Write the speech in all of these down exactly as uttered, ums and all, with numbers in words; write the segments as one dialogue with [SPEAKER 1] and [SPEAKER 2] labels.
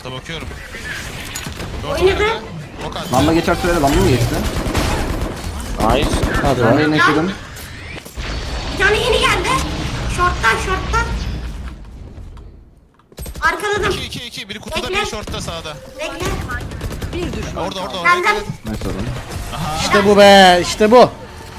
[SPEAKER 1] Da bakıyorum.
[SPEAKER 2] Oynadı.
[SPEAKER 1] Ok attı.
[SPEAKER 3] Lamba geçer sürede lamba mı geçti?
[SPEAKER 4] Nice.
[SPEAKER 5] Hadi
[SPEAKER 3] Ben de
[SPEAKER 5] be.
[SPEAKER 3] yine yaşadım.
[SPEAKER 2] Bir tane yeni geldi. Short'tan short'tan. Arkaladım.
[SPEAKER 1] iki iki iki. Biri kutuda,
[SPEAKER 2] Bekle.
[SPEAKER 1] biri shortta sağda.
[SPEAKER 2] Bekle.
[SPEAKER 6] Bir düşman.
[SPEAKER 1] Orada orada orada.
[SPEAKER 2] Geldim.
[SPEAKER 3] Nice oğlum.
[SPEAKER 5] İşte bu be. İşte bu.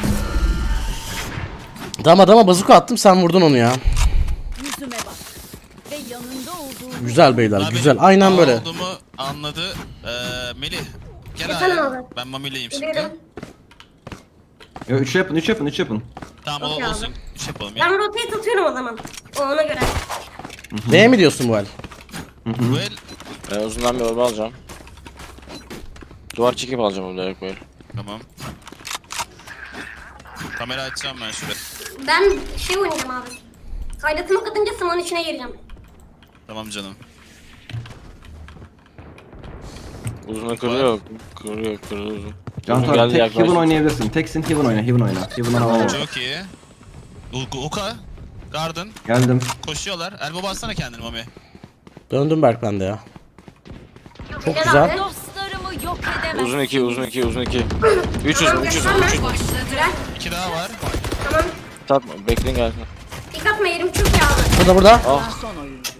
[SPEAKER 5] Dama dama bazuka attım, sen vurdun onu ya.
[SPEAKER 6] Yüzüme bak. Ve yanında olduğum
[SPEAKER 5] Güzel beyler,
[SPEAKER 1] Daha
[SPEAKER 5] güzel.
[SPEAKER 1] benim
[SPEAKER 5] Aynen
[SPEAKER 1] A
[SPEAKER 5] böyle.
[SPEAKER 1] olduğumu anladı. Ee, Melih. Gel
[SPEAKER 2] Efendim
[SPEAKER 1] abi.
[SPEAKER 2] abi.
[SPEAKER 1] Ben Mami'leyim şimdi.
[SPEAKER 2] Geliyorum.
[SPEAKER 3] Yo üç yapın üç yapın üç yapın.
[SPEAKER 1] Tamam
[SPEAKER 2] Okey
[SPEAKER 1] o
[SPEAKER 2] abi.
[SPEAKER 1] olsun. Şey yapalım ya.
[SPEAKER 2] Ben rotate atıyorum o zaman. O ona göre.
[SPEAKER 5] Neye mi diyorsun bu el?
[SPEAKER 1] Bu el.
[SPEAKER 4] Ben uzundan bir orba alacağım. Duvar çekip alacağım onu direkt böyle.
[SPEAKER 1] Tamam. Kamera açacağım ben şuraya.
[SPEAKER 2] Ben şey oynayacağım abi. Kaydatıma katınca sımon içine gireceğim.
[SPEAKER 1] Tamam canım.
[SPEAKER 4] Uzuna kırıyor. Kırıyor kırıyor uzun.
[SPEAKER 3] Can
[SPEAKER 4] Uzun
[SPEAKER 3] Tar
[SPEAKER 4] geldi
[SPEAKER 3] tek
[SPEAKER 4] yaklaştı.
[SPEAKER 3] Heaven oynayabilirsin. Teksin Heaven oyna Heaven oyna. Heaven'dan alalım.
[SPEAKER 1] Çok iyi. U- Uka. Garden.
[SPEAKER 3] Geldim.
[SPEAKER 1] Koşuyorlar. Elbow bassana kendini Mami.
[SPEAKER 5] Döndüm Berk ben de ya. Çok
[SPEAKER 2] Gel
[SPEAKER 5] güzel.
[SPEAKER 2] abi.
[SPEAKER 6] dostlarımı yok edemez.
[SPEAKER 4] Uzun iki uzun iki uzun iki. Üç uzun üç uzun
[SPEAKER 2] Tamam.
[SPEAKER 4] üç uzun.
[SPEAKER 2] Güzel.
[SPEAKER 1] İki daha var.
[SPEAKER 2] Tamam.
[SPEAKER 4] Tatma bekleyin gelsin.
[SPEAKER 2] İlk atma yerim çok iyi abi.
[SPEAKER 5] Burada burada.
[SPEAKER 4] Ah
[SPEAKER 6] Son oyuncu.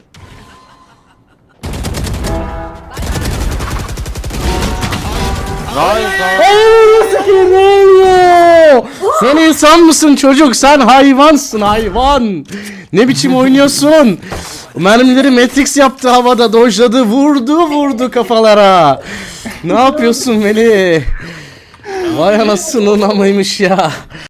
[SPEAKER 4] nice nice.
[SPEAKER 5] Ay, nasıl ne oluyor? Sen insan mısın çocuk? Sen hayvansın hayvan. Ne biçim oynuyorsun? Mermileri Matrix yaptı havada, dojladı, vurdu vurdu kafalara. Ne yapıyorsun Melih? Vay anasının amaymış ya.